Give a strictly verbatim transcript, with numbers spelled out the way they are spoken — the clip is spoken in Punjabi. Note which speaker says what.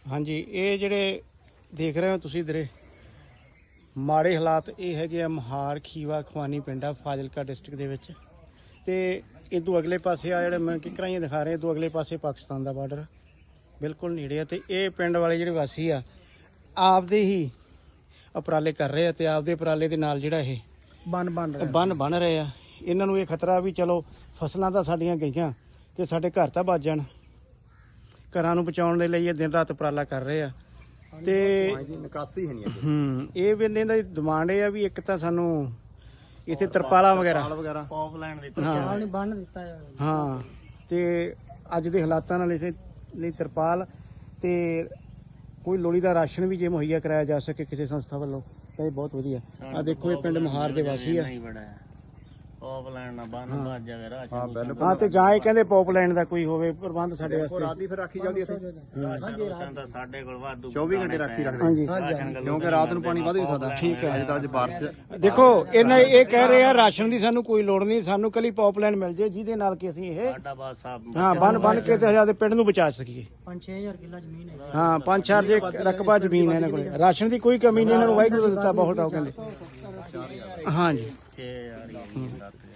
Speaker 1: ਹਾਂਜੀ ਇਹ ਜਿਹੜੇ ਦੇਖ ਰਹੇ ਹੋ ਤੁਸੀਂ ਇਧਰੇ ਮਾੜੇ ਹਾਲਾਤ ਇਹ ਹੈਗੇ ਆ ਮਹਾਰ ਖੀਵਾ ਖਵਾਨੀ ਪਿੰਡ ਆ ਫਾਜ਼ਿਲਕਾ ਡਿਸਟ੍ਰਿਕਟ ਦੇ ਵਿੱਚ ਤੇ ਇਦੋਂ ਅਗਲੇ ਪਾਸੇ ਆ ਜਿਹੜੇ ਮੈਂ ਕਿਕਰਾਂ ਹੀ ਦਿਖਾ ਰਹੇ ਇਦੋਂ ਅਗਲੇ ਪਾਸੇ ਪਾਕਿਸਤਾਨ ਦਾ ਬਾਰਡਰ ਬਿਲਕੁਲ ਨੇੜੇ ਆ ਤੇ ਇਹ ਪਿੰਡ ਵਾਲੇ ਜਿਹੜੇ ਵਾਸੀ ਆ ਆਪਦੇ ਹੀ ਉਪਰਾਲੇ ਕਰ ਰਹੇ ਆ ਤੇ ਆਪਦੇ ਉਪਰਾਲੇ ਦੇ ਨਾਲ ਜਿਹੜਾ ਇਹ ਬੰਨ ਬਣ ਰਿਹਾ ਬੰਨ ਬਣ ਰਹੇ ਆ। ਇਹਨਾਂ ਨੂੰ ਇਹ ਖਤਰਾ ਵੀ ਚਲੋ ਫਸਲਾਂ ਤਾਂ ਸਾਡੀਆਂ ਗਈਆਂ ਤੇ ਸਾਡੇ ਘਰ ਤਾਂ ਬਚ ਜਾਣ, ਘਰਾਂ ਨੂੰ ਬਚਾਉਣ ਦੇ ਲਈ ਇਹ ਦਿਨ ਰਾਤ ਉਪਰਾਲਾ ਕਰ ਰਹੇ ਆ ਤੇ
Speaker 2: ਨਿਕਾਸੀ ਹੈ ਨਹੀਂ
Speaker 1: ਹੂੰ ਇਹ ਵੀ ਇਹਨਾਂ ਦੀ ਡਿਮਾਂਡ ਇਹ ਆ ਵੀ ਇੱਕ ਤਾਂ ਸਾਨੂੰ ਇੱਥੇ ਤਰਪਾਲਾਂ ਵਗੈਰਾ
Speaker 3: ਪਾਈਪਲਾਈਨ ਦਿੱਤੀ
Speaker 1: ਹਾਂ
Speaker 3: ਬੰਨ ਦਿੱਤਾ
Speaker 1: ਹਾਂ ਤੇ ਅੱਜ ਦੇ ਹਾਲਾਤਾਂ ਨਾਲ ਇਸੇ ਲਈ ਤਰਪਾਲ ਤੇ ਕੋਈ ਲੋੜੀ ਦਾ ਰਾਸ਼ਨ ਵੀ ਜੇ ਮੁਹੱਈਆ ਕਰਾਇਆ ਜਾ ਸਕੇ ਕਿਸੇ ਸੰਸਥਾ ਵੱਲੋਂ ਤਾਂ ਇਹ ਬਹੁਤ ਵਧੀਆ। ਆ ਦੇਖੋ ਇਹ ਪਿੰਡ ਮਹਾਰ ਦੇ ਵਾਸੀ ਆ
Speaker 3: ਪਾਈਪਲਾਈਨ ਨਾਲ ਬੰਨ ਵੱਜ ਜਾਵੇ ਰਾਸ਼ਨ
Speaker 1: ਹਾਂ ਤੇ ਜਾਂ ਇਹ ਕਹਿੰਦੇ ਪਾਈਪਲਾਈਨ ਦਾ ਕੋਈ ਹੋਵੇ ਪ੍ਰਬੰਧ ਸਾਡੇ ਵਾਸਤੇ।
Speaker 2: ਰਾਤ ਦੀ ਫਿਰ ਰਾਖੀ ਜਾਂਦੀ ਇੱਥੇ
Speaker 3: ਰਾਸ਼ਨ ਤਾਂ ਸਾਡੇ ਕੋਲ ਵਾਧੂ
Speaker 2: ਚੌਵੀ ਘੰਟੇ ਰਾਖੀ ਰੱਖਦੇ
Speaker 1: ਹਾਂਜੀ
Speaker 2: ਕਿਉਂਕਿ ਰਾਤ ਨੂੰ ਪਾਣੀ ਵੱਧ ਵੀ ਸਕਦਾ।
Speaker 1: ਠੀਕ ਹੈ
Speaker 2: ਅੱਜ ਤਾਂ ਅੱਜ ਬਾਰਿਸ਼
Speaker 1: ਦੇਖੋ ਇਹਨਾਂ ਇਹ ਕਹਿ ਰਹੇ ਆ ਰਾਸ਼ਨ ਦੀ ਸਾਨੂੰ ਕੋਈ ਲੋੜ ਨਹੀਂ, ਸਾਨੂੰ ਕੱਲੀ ਪਾਈਪਲਾਈਨ ਮਿਲ ਜੇ ਜਿਹਦੇ ਨਾਲ ਕਿ ਅਸੀਂ ਇਹ
Speaker 3: ਸਾਡਾ ਬਸ ਸਾਹਿਬ
Speaker 1: ਹਾਂ ਬੰਨ ਬੰਨ ਕੇ ਤੇ ਹਜ਼ਾਰ ਦੇ ਪਿੰਡ ਨੂੰ ਬਚਾ ਸਕੀਏ।
Speaker 3: ਪੰਜ ਛੇ ਹਜ਼ਾਰ ਕਿੱਲਾ ਜ਼ਮੀਨ ਹੈ
Speaker 1: ਹਾਂ ਪੰਜ ਚਾਰ ਜੇ ਰਕਬਾ ਜ਼ਮੀਨ ਹੈ ਇਹਨਾਂ ਕੋਲ, ਰਾਸ਼ਨ ਦੀ ਕੋਈ ਕਮੀ ਨਹੀਂ ਇਹਨਾਂ ਨੂੰ ਵਾਹਿਗੁਰੂ ਦਿੱਤਾ ਬਹੁਤ ਆ ਕਹਿੰਦੇ। ਹਾਂਜੀ
Speaker 3: ਛੇ ਹਜ਼ਾਰ ਸੱਤ